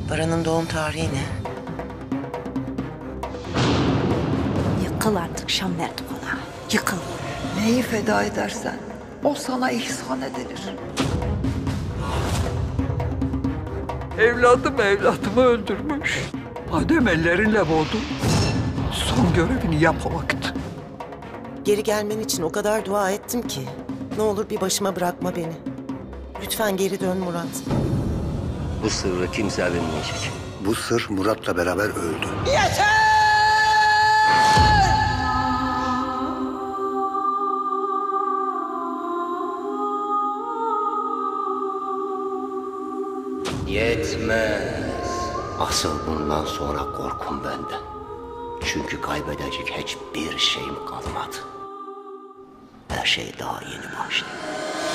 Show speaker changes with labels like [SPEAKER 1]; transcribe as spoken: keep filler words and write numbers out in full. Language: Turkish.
[SPEAKER 1] Baran'ın doğum tarihi ne?
[SPEAKER 2] Yıkıl artık Şamberdi konağı. Yıkıl.
[SPEAKER 3] Neyi feda edersen o sana ihsan edilir.
[SPEAKER 4] Evladım evladımı öldürmüş. Madem ellerinle boğdu, son görevini yap o vakit.
[SPEAKER 1] Geri gelmen için o kadar dua ettim ki. Ne olur bir başıma bırakma beni. Lütfen geri dön Murat.
[SPEAKER 5] Bu sırrı kimse bilmeyecek.
[SPEAKER 6] Bu sır Murat'la beraber öldü.
[SPEAKER 5] Yetmez. Asıl bundan sonra korkum benden. Çünkü kaybedecek hiçbir şeyim kalmadı. Her şey daha yeni başlıyor.